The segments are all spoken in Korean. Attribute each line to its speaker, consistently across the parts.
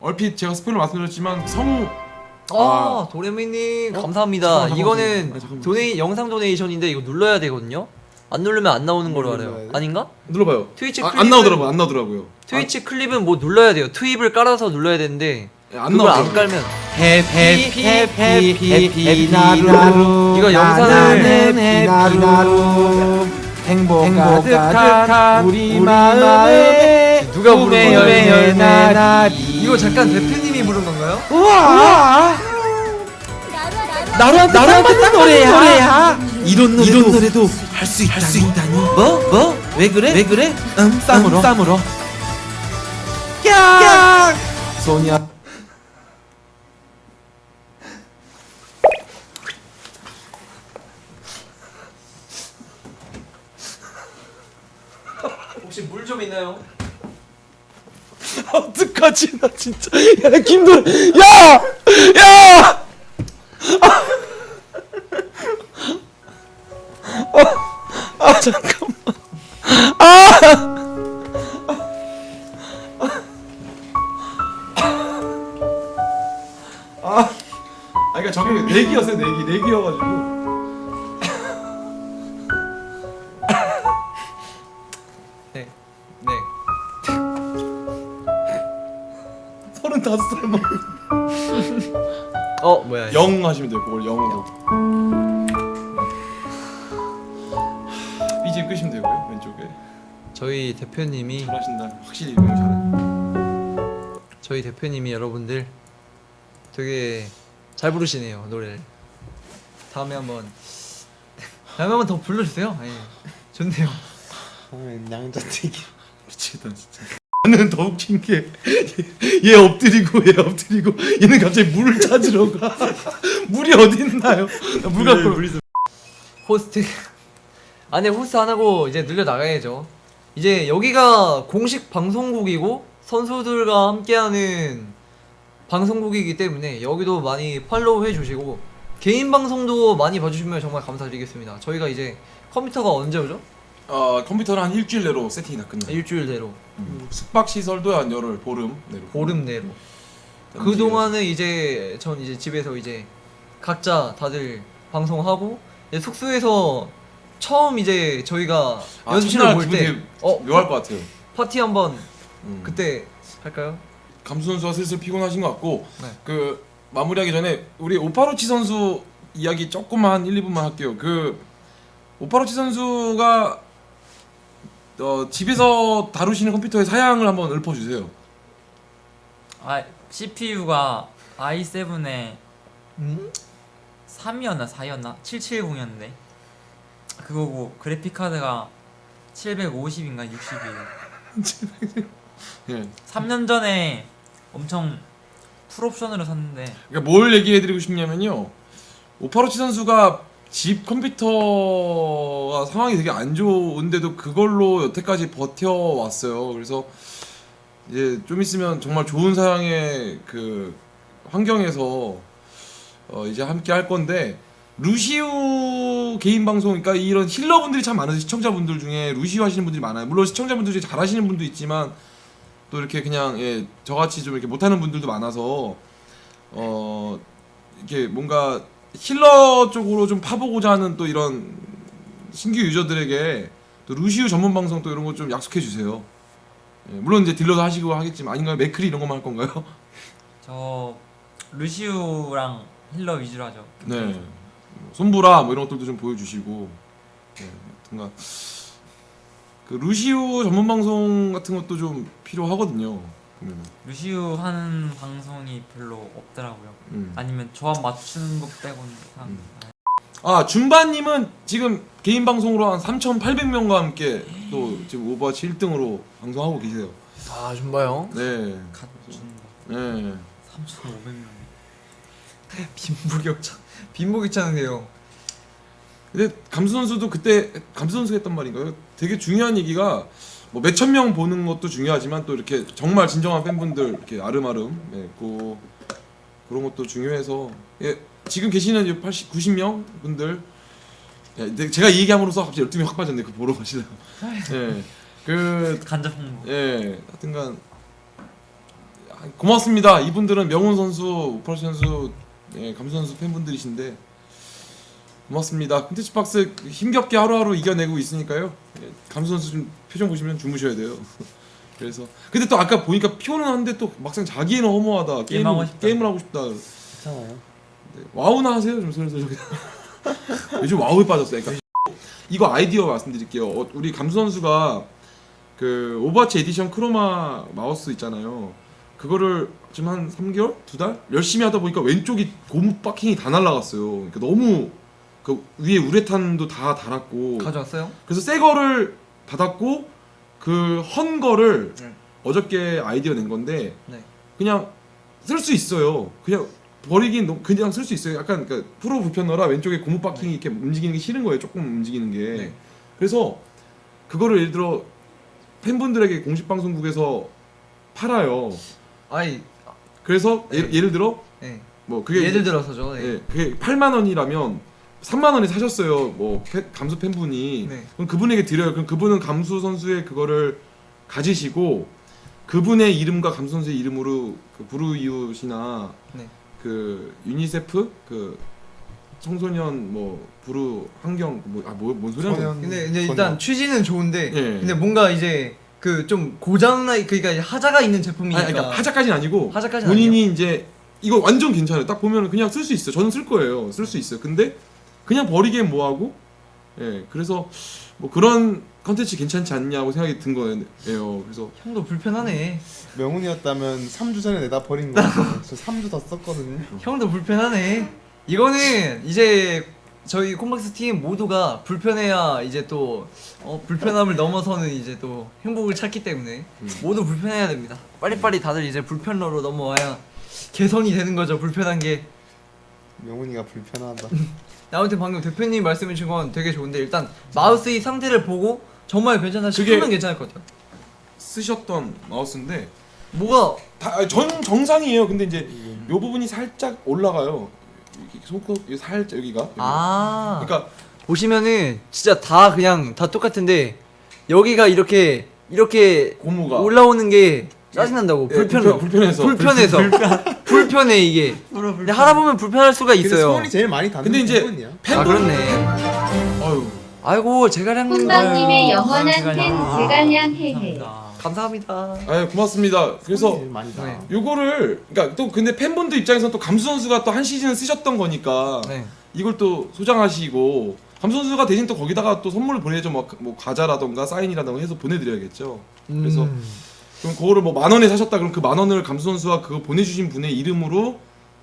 Speaker 1: 얼핏 제가 스포일러 말씀드렸지만 성우
Speaker 2: 도레미님 감사합니다. 이거는 영상 도네이션인데 이거 눌러야 되거든요. 안 누르면 안 나오는 걸로 알아요. 아닌가?
Speaker 1: 눌러봐요.
Speaker 2: 트위치
Speaker 1: 안
Speaker 2: 클립은
Speaker 1: 나오더라고요.
Speaker 2: 트위치 클립은 뭐 눌러야 돼요. 트윕을 깔아서 눌러야 되는데
Speaker 1: 안
Speaker 2: 그걸 안
Speaker 1: 나오더라고요.
Speaker 2: 깔면
Speaker 3: 해피 나루
Speaker 2: 이거 영상을
Speaker 3: 해피나루 행복 가득한 우리 마음에
Speaker 2: 누가 부른 거예요?
Speaker 3: 꿈의 날이
Speaker 2: 이거 잠깐 대표님이 부른 건가요?
Speaker 3: 우와 나루한테 딱 맞는 노래야 이런 노래도 할 수 있다니 뭐? 왜 그래? 쌈으로 깍 소냐
Speaker 2: 혹시 물 좀 있나요?
Speaker 3: 어떡하지 나 진짜 야 김도래 야 잠깐만
Speaker 1: 그러니까 저게 내기였어요. 내기여가지고. 35살 먹은.
Speaker 2: 뭐야?
Speaker 1: 영 하시면 돼요. 그걸 영으로. BGM 끄시면 되고요. 왼쪽에.
Speaker 2: 저희 대표님이
Speaker 1: 잘하신다. 확실히 너무 잘해.
Speaker 2: 저희 대표님이 여러분들 되게 잘 부르시네요 노래를. 다음에 한번 더 불러주세요. 좋네요.
Speaker 3: 양자택이
Speaker 1: 미치겠다 진짜. 나는 더 웃긴 게 얘 엎드리고 얘는 갑자기 물을 찾으러 가. 물이 어디 있나요? 물 갖고
Speaker 2: 호스트 안에 호스트 안 하고 이제 늘려 나가야죠. 이제 여기가 공식 방송국이고 선수들과 함께하는 방송국이기 때문에 여기도 많이 팔로우 해주시고 개인 방송도 많이 봐주시면 정말 감사드리겠습니다. 저희가 이제 컴퓨터가 언제 오죠?
Speaker 1: 컴퓨터는 한 일주일 내로 세팅이 다 끝나요.
Speaker 2: 일주일 내로.
Speaker 1: 숙박 시설도 한 열흘 보름 내로.
Speaker 2: 보름 내로. 그 동안은 이제 전 이제 집에서 이제 각자 다들 방송하고 이제 숙소에서 처음 이제 저희가 연습실을 볼 때
Speaker 1: 묘할 것 같아요.
Speaker 2: 파티 한번 그때 할까요?
Speaker 1: 감수 선수가 슬슬 피곤하신 것 같고
Speaker 2: 네.
Speaker 1: 그 마무리하기 전에 우리 오파로치 선수 이야기 조금만 1, 2분만 할게요. 그 오파로치 선수가 집에서 다루시는 컴퓨터의 사양을 한번 읊어주세요.
Speaker 4: CPU가 i7에 3이었나 4였나 770이었는데 그거고 그래픽 카드가 750인가 60이에요.
Speaker 1: 예.
Speaker 4: 3년 전에 엄청 풀옵션으로 샀는데
Speaker 1: 그러니까 뭘 얘기해드리고 싶냐면요. 오파로치 선수가 집 컴퓨터가 상황이 되게 안 좋은데도 그걸로 여태까지 버텨왔어요. 그래서 이제 좀 있으면 정말 좋은 사양의 그 환경에서 이제 함께 할 건데 루시우 개인 방송, 그러니까 이런 힐러분들이 참 많으세요. 시청자분들 중에 루시우 하시는 분들이 많아요. 물론 시청자분들 중에 잘하시는 분도 있지만 또 이렇게 그냥 저같이 좀 이렇게 못하는 분들도 많아서 이렇게 뭔가 힐러 쪽으로 좀 파보고자 하는 또 이런 신규 유저들에게 또 루시우 전문 방송 또 이런 거 좀 약속해 주세요. 물론 이제 딜러도 하시고 하겠지만 아닌가요? 맥크리 이런 것만 할 건가요?
Speaker 4: 저 루시우랑 힐러 위주로 하죠.
Speaker 1: 네. 손보라 뭐 이런 것들도 좀 보여주시고, 뭔가 그 루시우 전문 방송 같은 것도 좀 필요하거든요. 보면은.
Speaker 4: 루시우 하는 방송이 별로 없더라고요. 아니면 조합 맞추는 것 빼고는
Speaker 1: 준바님은 지금 개인 방송으로 한 3,800명과 함께 또 지금 오버워치 1등으로 방송하고 계세요.
Speaker 2: 준바요?
Speaker 1: 네.
Speaker 4: 갖춘다.
Speaker 1: 네.
Speaker 4: 3,500명.
Speaker 2: 빈부귀찮은데요.
Speaker 1: 근데 감수 선수도 그때 감수 선수가 했던 말인가요? 되게 중요한 얘기가 뭐 몇천 명 보는 것도 중요하지만 또 이렇게 정말 진정한 팬분들 이렇게 아름아름 그런 것도 중요해서 지금 계시는 80, 90명 분들 제가 이 얘기함으로써 갑자기 12명 확 빠졌네. 그거 보러 가시려고.
Speaker 4: 간접 홍보.
Speaker 1: 하여튼간 고맙습니다. 이분들은 명훈 선수, 오파르 선수, 예, 감수 선수 팬분들이신데 고맙습니다. 콘텐츠 박스 힘겹게 하루하루 이겨내고 있으니까요. 예, 감수 선수 좀 표정 보시면 주무셔야 돼요. 그래서 근데 또 아까 보니까 피곤은 한데 또 막상 자기는 허무하다.
Speaker 4: 게임하고 싶다.
Speaker 1: 게임을 하고 싶다.
Speaker 3: 괜찮아요.
Speaker 1: 네, 와우나 하세요 좀 슬슬. 요즘 와우에 빠졌어요. 그러니까 이거 아이디어 말씀드릴게요. 우리 감수 선수가 그 오버워치 에디션 크로마 마우스 있잖아요. 그거를 지금 한 3개월? 2달? 열심히 하다 보니까 왼쪽이 고무 바킹이 다 날라갔어요. 그러니까 너무 그 위에 우레탄도 다 달았고
Speaker 2: 가져왔어요?
Speaker 1: 그래서 새 거를 받았고 그 헌 거를
Speaker 2: 네.
Speaker 1: 어저께 아이디어 낸 건데
Speaker 2: 네.
Speaker 1: 그냥 쓸 수 있어요. 그냥 버리긴 그냥 쓸 수 있어요. 약간 그러니까 프로 불편러라 왼쪽에 고무 바킹이 이렇게 움직이는 게 싫은 거예요. 조금 움직이는 게.
Speaker 2: 네.
Speaker 1: 그래서 그거를 예를 들어 팬분들에게 공식 방송국에서 팔아요.
Speaker 2: 아이,
Speaker 1: 그래서
Speaker 2: 네.
Speaker 1: 예를 들어
Speaker 2: 네.
Speaker 1: 뭐 그게
Speaker 2: 예를 들어서죠. 네.
Speaker 1: 예, 그게 8만 원이라면 3만 원에 사셨어요. 뭐 감수 팬분이.
Speaker 2: 네.
Speaker 1: 그럼 그분에게 드려요. 그럼 그분은 감수 선수의 그거를 가지시고 그분의 이름과 감수 선수의 이름으로 그 부르이웃이나
Speaker 2: 네.
Speaker 1: 그 유니세프 그 청소년 뭐 부르 환경 뭔 소리야?
Speaker 3: 청년-
Speaker 2: 근데 일단 취지는 좋은데
Speaker 1: 예.
Speaker 2: 근데 뭔가 이제 그 좀 고장나 그러니까 하자가 있는 제품이니까.
Speaker 1: 아니, 그러니까 하자까지는 아니고
Speaker 2: 하자까지는
Speaker 1: 본인이 이제 이거 완전 괜찮아요. 딱 보면 그냥 쓸 수 있어요. 저는 쓸 거예요. 쓸 수 있어요. 근데 그냥 버리기엔 뭐하고 예 그래서 뭐 그런 컨텐츠 괜찮지 않냐고 생각이 든 거예요. 그래서
Speaker 2: 형도 불편하네.
Speaker 3: 명훈이었다면 3주 전에 내다 버린 거예요. 저 3주 더 썼거든요.
Speaker 2: 형도 불편하네. 이거는 이제 저희 콤박스 팀 모두가 불편해야 이제 또 불편함을 넘어서는 이제 또 행복을 찾기 때문에 모두 불편해야 됩니다. 빨리빨리 다들 이제 불편러로 넘어와야 개선이 되는 거죠. 불편한 게.
Speaker 3: 명훈이가 불편하다.
Speaker 2: 아무튼 방금 대표님 말씀해 주신 건 되게 좋은데 일단 마우스의 상태를 보고 정말 괜찮다 싶으면
Speaker 1: 그게-
Speaker 2: 괜찮을 것 같아요.
Speaker 1: 쓰셨던 마우스인데
Speaker 2: 뭐가
Speaker 1: 정상이에요. 근데 이제 요 부분이 살짝 올라가요. 손톱 살짝 여기가. 그러니까
Speaker 2: 보시면은 진짜 다 그냥 다 똑같은데 여기가 이렇게
Speaker 1: 고무가
Speaker 2: 올라오는 게 짜증난다고.
Speaker 1: 예,
Speaker 2: 불편해.
Speaker 1: 불편해서
Speaker 2: 불편해 이게. 근데 하다 보면 불편할 수가
Speaker 3: 근데
Speaker 2: 있어요.
Speaker 3: 소원이 제일 많이 닿는
Speaker 1: 근데 이제
Speaker 3: 부분이야.
Speaker 2: 아 그렇네.
Speaker 1: 아유
Speaker 2: 아이고 제가량님
Speaker 5: 콩방님의 영원한 팬
Speaker 4: 제갈량.
Speaker 5: 제갈량 헤헤.
Speaker 4: 감사합니다.
Speaker 2: 감사합니다.
Speaker 1: 아유 고맙습니다. 그래서
Speaker 3: 소원이 제일 많이 닿아.
Speaker 2: 네.
Speaker 1: 요거를 그러니까 또 근데 팬분들 입장에서는 또 감수 선수가 또 한 시즌 쓰셨던 거니까
Speaker 2: 네.
Speaker 1: 이걸 또 소장하시고 감수 선수가 대신 또 거기다가 또 선물을 보내죠. 뭐 과자라던가 사인이라던가 해서 보내드려야겠죠. 그래서 그럼 그거를 뭐 10,000원에 사셨다 그럼 그 10,000원을 감수 선수가 그거 보내주신 분의 이름으로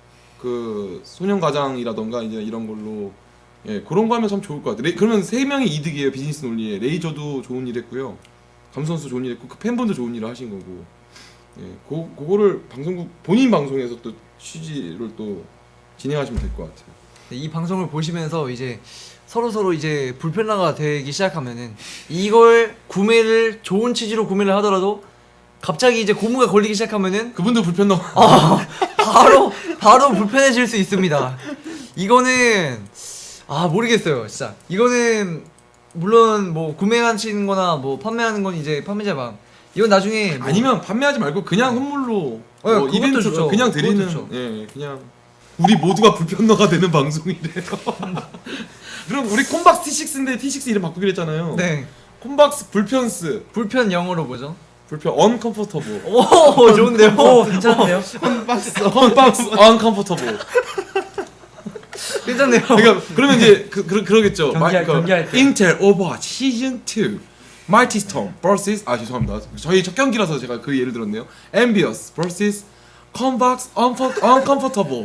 Speaker 1: 그 소년 가장이라던가 이제 이런 걸로 예 그런 거 하면 참 좋을 것 같아요. 그러면 3명이 이득이에요. 비즈니스 논리에 레이저도 좋은 일 했고요. 감수 선수 좋은 일 했고 그 팬분도 좋은 일을 하신 거고 예 그거를 방송국 본인 방송에서 또 취지를 또 진행하시면 될 것 같아요.
Speaker 2: 네, 이 방송을 보시면서 이제 서로 이제 불편화가 되기 시작하면은 이걸 구매를 좋은 취지로 구매를 하더라도 갑자기 이제 고무가 걸리기 시작하면은
Speaker 1: 그분도 불편 넘어.
Speaker 2: 바로 불편해질 수 있습니다. 이거는 모르겠어요, 진짜. 이거는 물론 뭐 구매하시는 거나 뭐 판매하는 건 이제 판매자 마음. 이건 나중에 뭐
Speaker 1: 아니면 판매하지 말고 그냥 선물로
Speaker 2: 그것도
Speaker 1: 이벤트로
Speaker 2: 좋죠.
Speaker 1: 그냥 드리는
Speaker 2: 그것도 좋죠.
Speaker 1: 예 그냥 우리 모두가 불편러가 되는 방송이래요. 그럼 우리 콤박스 T6인데 T6 이름 바꾸기로 했잖아요.
Speaker 2: 네.
Speaker 1: 콤박스 불편스
Speaker 2: 불편 영어로 뭐죠?
Speaker 1: 불편 언컴포터블
Speaker 2: 오, 좋은데요.
Speaker 4: 괜찮은데요?
Speaker 1: 콤박스 언컴포터블
Speaker 2: 괜찮네요.
Speaker 1: 그러니까 그러면 이제 그러겠죠.
Speaker 4: 경기할 때.
Speaker 1: 인텔 오버워치 시즌 2 마이티 스톰 vs 죄송합니다. 저희 첫 경기라서 제가 그 예를 들었네요. 엠비어스 vs 컴박스 언컴포터블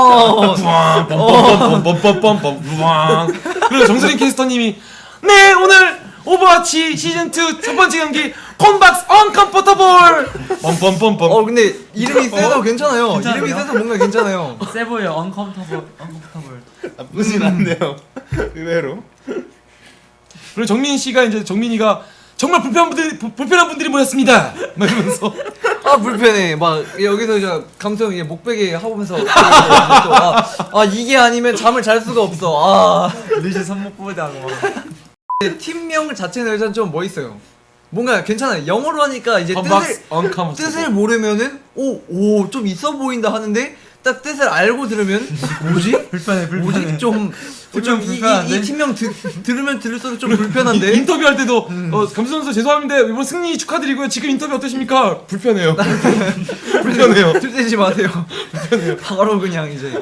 Speaker 1: 빰빰빰빰빰빰빰빰. 그리고 정수린 캐스터님이 네 오늘 오버워치 시즌 2 첫 번째 경기 컴박스 언컴포터블 빰빰빰빰.
Speaker 2: 근데 이름이 세서 괜찮아요.
Speaker 4: 괜찮아요?
Speaker 2: 이름이 세서 뭔가 괜찮아요.
Speaker 4: 세 보여. 언컴포터블.
Speaker 3: 나쁘진 않네요. 의외로.
Speaker 1: 그리고 정민 씨가 이제 정민이가 정말 불편한 분들이 모였습니다. 막 이러면서
Speaker 2: 불편해. 막 여기서 이제 감성 이제 목베개 하면서 이게 아니면 잠을 잘 수가 없어.
Speaker 4: 리즈 손목보다 하고 막.
Speaker 2: 팀명 자체는 일단 좀 멋있어요. 뭔가 괜찮아요. 영어로 하니까 이제
Speaker 1: 컴박스 언컴포터블.
Speaker 2: 뜻을 모르면은 오 좀 있어 보인다 하는데 딱 뜻을 알고 들으면 뭐지?
Speaker 4: 불편해.
Speaker 2: 뭐지? 좀
Speaker 4: 불편한데?
Speaker 2: 이 팀명 들으면 들을수록 좀 불편한데.
Speaker 1: 인터뷰할 때도 감수 선수 죄송합니다. 이번 승리 축하드리고요. 지금 인터뷰 어떠십니까? 불편해요. 불편해요.
Speaker 2: 들대지 마세요. 불편해요. 바로 그냥 이제.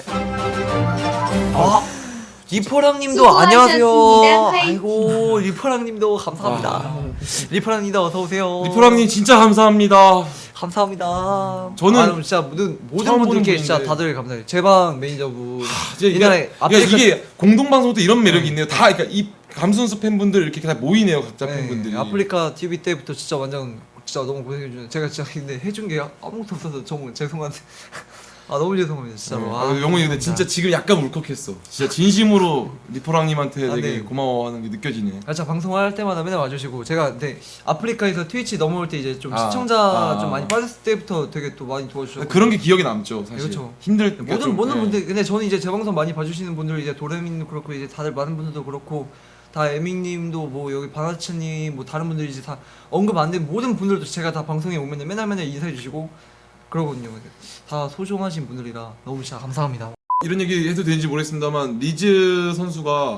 Speaker 2: 리퍼랑님도
Speaker 5: 수고하셨습니다.
Speaker 2: 안녕하세요.
Speaker 5: 화이팅.
Speaker 2: 아이고 리퍼랑님도 감사합니다. 리퍼랑님도 어서 오세요.
Speaker 1: 리퍼랑님 진짜 감사합니다.
Speaker 2: 감사합니다.
Speaker 1: 저는
Speaker 2: 그럼 진짜 모든
Speaker 1: 처음 보는
Speaker 2: 분들께 진짜
Speaker 1: 분인데.
Speaker 2: 다들 감사해요. 제방 매니저분.
Speaker 1: 이제
Speaker 2: 옛날에
Speaker 1: 이게 공동 방송도 이런 매력이 있네요. 다 그러니까 이 감수 선수 팬분들 이렇게 다 모이네요. 각자 팬분들이.
Speaker 2: 아프리카 TV 때부터 진짜 완전 진짜 너무 고생해주는. 제가 진짜 근데 해준 게 아무것도 없어서 정말 죄송한데. 너무 죄송합니다 진짜로.
Speaker 1: 영훈이 근데 진짜 지금 약간 울컥했어. 진짜 진심으로 리퍼랑님한테 되게
Speaker 2: 네.
Speaker 1: 고마워하는 게 느껴지네.
Speaker 2: 진짜 방송할 때마다 맨날 와주시고 제가 근데 아프리카에서 트위치 넘어올 때 이제 좀
Speaker 1: 아,
Speaker 2: 시청자 좀 많이 빠졌을 때부터 되게 또 많이 도와주셨고
Speaker 1: 그런 게 기억에 남죠, 사실.
Speaker 2: 그렇죠.
Speaker 1: 힘들 그러니까 좀,
Speaker 2: 모든
Speaker 1: 예.
Speaker 2: 분들 근데 저는 이제 제 방송 많이 봐주시는 분들 이제 도레민도 그렇고 이제 다들 많은 분들도 그렇고 다 에밍님도 뭐 여기 바나츠님 뭐 다른 분들이 이제 다 언급 안 된 모든 분들도 제가 다 방송에 오면은 맨날 인사해 주시고 그러거든요. 다 소중하신 분들이라 너무 진짜 감사합니다.
Speaker 1: 이런 얘기 해도 되는지 모르겠습니다만 리즈 선수가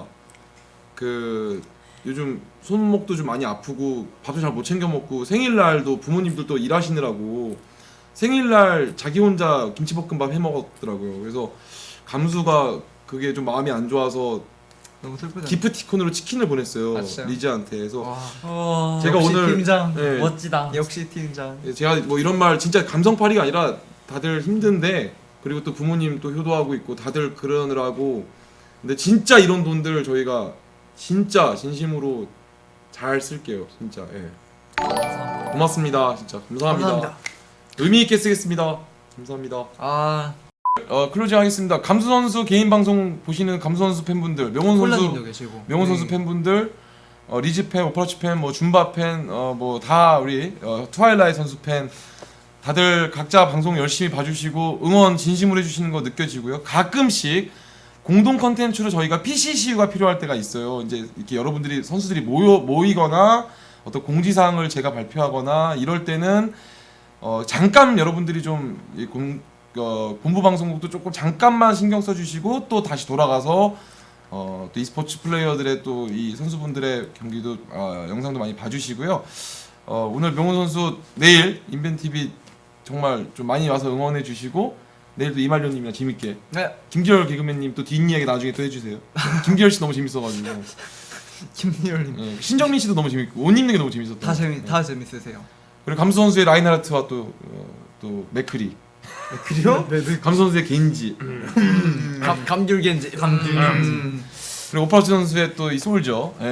Speaker 1: 그 요즘 손목도 좀 많이 아프고 밥도 잘 못 챙겨 먹고 생일날도 부모님들도 일하시느라고 생일날 자기 혼자 김치볶음밥 해 먹었더라고요. 그래서 감수가 그게 좀 마음이 안 좋아서
Speaker 2: 너무 슬프다.
Speaker 1: 기프티콘으로 치킨을 보냈어요.
Speaker 2: 아, 진짜요?
Speaker 1: 리즈한테. 그래서
Speaker 2: 와,
Speaker 1: 제가
Speaker 2: 역시
Speaker 1: 오늘
Speaker 2: 팀장
Speaker 1: 예,
Speaker 4: 멋지다.
Speaker 2: 역시 팀장.
Speaker 1: 제가 뭐 이런 말 진짜 감성팔이가 아니라 다들 힘든데 그리고 또 부모님 또 효도하고 있고 다들 그러느라고 근데 진짜 이런 돈들 저희가 진짜 진심으로 잘 쓸게요. 진짜. 예. 고맙습니다. 진짜 감사합니다.
Speaker 2: 감사합니다.
Speaker 1: 의미 있게 쓰겠습니다. 감사합니다. 클로징 하겠습니다. 감수 선수 개인 방송 보시는 감수 선수 팬분들, 명훈
Speaker 2: 콜라님도
Speaker 1: 선수
Speaker 2: 계시고
Speaker 1: 명훈 선수 팬분들, 리즈 팬, 오퍼라치 팬, 뭐 줌바 팬, 뭐 다 우리 트와일라이트 선수 팬 다들 각자 방송 열심히 봐주시고 응원 진심으로 해주시는 거 느껴지고요. 가끔씩 공동 컨텐츠로 저희가 PCCU가 필요할 때가 있어요. 이제 이렇게 여러분들이 선수들이 모이거나 어떤 공지사항을 제가 발표하거나 이럴 때는 잠깐 여러분들이 좀 본부 방송국도 조금 잠깐만 신경 써주시고 또 다시 돌아가서 또 e스포츠 플레이어들의 또 이 선수분들의 경기도 영상도 많이 봐주시고요. 오늘 명훈 선수 내일 인벤TV 정말 좀 많이 와서 응원해 주시고 내일도 이말년님이랑 재밌게
Speaker 2: 네.
Speaker 1: 김기열 개그맨님 또 뒷이야기 나중에 또 해주세요. 김기열 씨 너무 재밌어가지고
Speaker 2: 김리얼님
Speaker 1: 예, 신정민 씨도 너무 재밌고 옷 입는 게 너무 재밌었던
Speaker 2: 다 재밌으세요.
Speaker 1: 그리고 감수 선수의 라인하르트와 또 맥크리
Speaker 2: 그래요?
Speaker 1: 감수 선수의 겐지
Speaker 2: 감귤겐지.
Speaker 1: 그리고 오파르츠 선수의 또 이 솔저 예.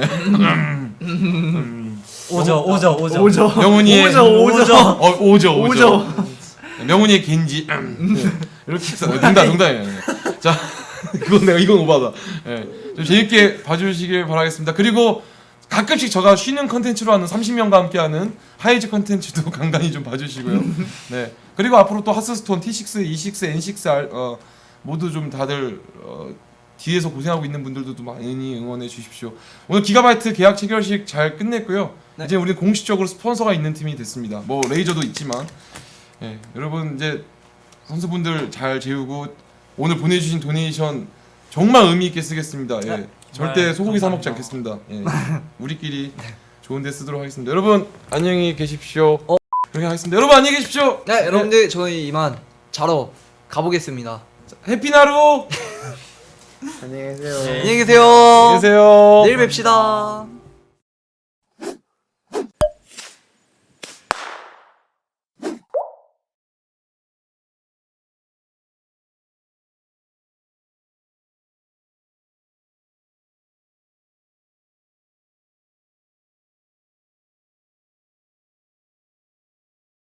Speaker 4: 오죠.
Speaker 1: 명훈이의
Speaker 2: 오죠.
Speaker 1: 오죠. 명훈이의 겐지 이렇게 해서 농담이에요. 자 이건 오바다. 예. 좀 재밌게 봐주시길 바라겠습니다. 그리고 가끔씩 제가 쉬는 컨텐츠로 하는 30명과 함께하는 하이즈 컨텐츠도 간간히 좀 봐주시고요. 네. 그리고 앞으로 또 하스스톤 T6, E6, N6R 모두 좀 다들 뒤에서 고생하고 있는 분들도 많이 응원해 주십시오. 오늘 기가바이트 계약 체결식 잘 끝냈고요.
Speaker 2: 네.
Speaker 1: 이제 우리는 공식적으로 스폰서가 있는 팀이 됐습니다. 뭐 레이저도 있지만 예, 여러분 이제 선수분들 잘 재우고 오늘 보내주신 도네이션 정말 의미 있게 쓰겠습니다. 예.
Speaker 2: 네.
Speaker 1: 절대 소고기 사 먹지
Speaker 4: 감사합니다.
Speaker 1: 않겠습니다. 예. 우리끼리 좋은데 쓰도록 하겠습니다. 여러분 안녕히 계십시오. 그렇게 하겠습니다. 여러분 안녕히 계십시오.
Speaker 2: 네, 여러분들 저희 이만 자러 가보겠습니다.
Speaker 1: 해피나루.
Speaker 2: 안녕히 계세요.
Speaker 1: 안녕히 계세요.
Speaker 2: 내일 뵙시다.